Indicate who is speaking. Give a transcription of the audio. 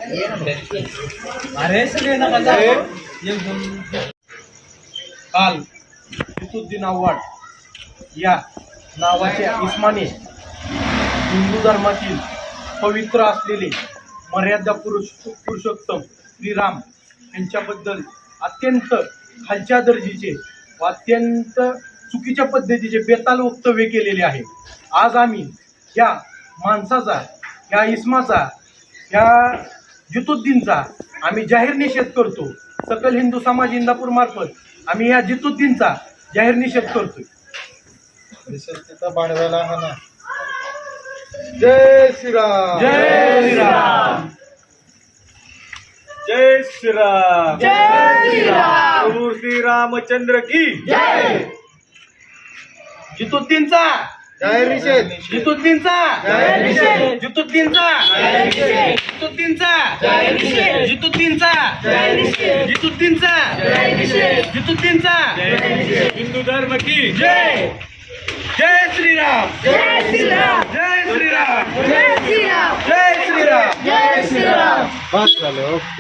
Speaker 1: अरे सगळे नका जाऊ. एकदम काल जितुद्दीन आव्हाड या नावाच्या इस्माने हिंदू धर्मातील पवित्र असलेले मर्यादा पुरुषोत्तम श्रीराम यांच्याबद्दल अत्यंत खालच्या दर्जाचे व अत्यंत चुकीच्या पद्धतीचे बेताल वक्तव्य केलेले आहे. आज आम्ही या माणसाचा, या इस्माचा, या जितुद्दीनचा आम्ही जाहीर निषेध करतो. सकल हिंदू समाज इंदापूर मार्फत आम्ही या जितुद्दीनचा जाहीर निषेध करतोय.
Speaker 2: बाणव्याला म्हणा जय श्रीराम,
Speaker 1: जय श्रीराम,
Speaker 2: जय श्रीराम,
Speaker 1: जय श्रीराम,
Speaker 2: प्रभू श्री रामचंद्र की
Speaker 1: जय. जितुद्दीनचा
Speaker 2: जाहीर निषेध,
Speaker 1: जितुद्दीनचा
Speaker 2: जाहीर निषेध,
Speaker 1: जितुद्दीनचा
Speaker 2: जाहीर निषेध,
Speaker 1: जितुद्दीनचा
Speaker 2: जाहीर निषेध,
Speaker 1: जितुद्दीनचा
Speaker 2: जाहीर निषेध,
Speaker 1: जितुद्दीनचा
Speaker 2: जाहीर निषेध,
Speaker 1: जितुद्दीनचा
Speaker 2: जाहीर निषेध. हिंदू धर्म की
Speaker 1: जय. जय श्रीराम,
Speaker 3: जय श्रीराम,
Speaker 1: जय श्रीराम,
Speaker 3: जय श्रीराम,
Speaker 1: जय श्रीराम.
Speaker 3: जय श्रीराम.
Speaker 2: बस झालं.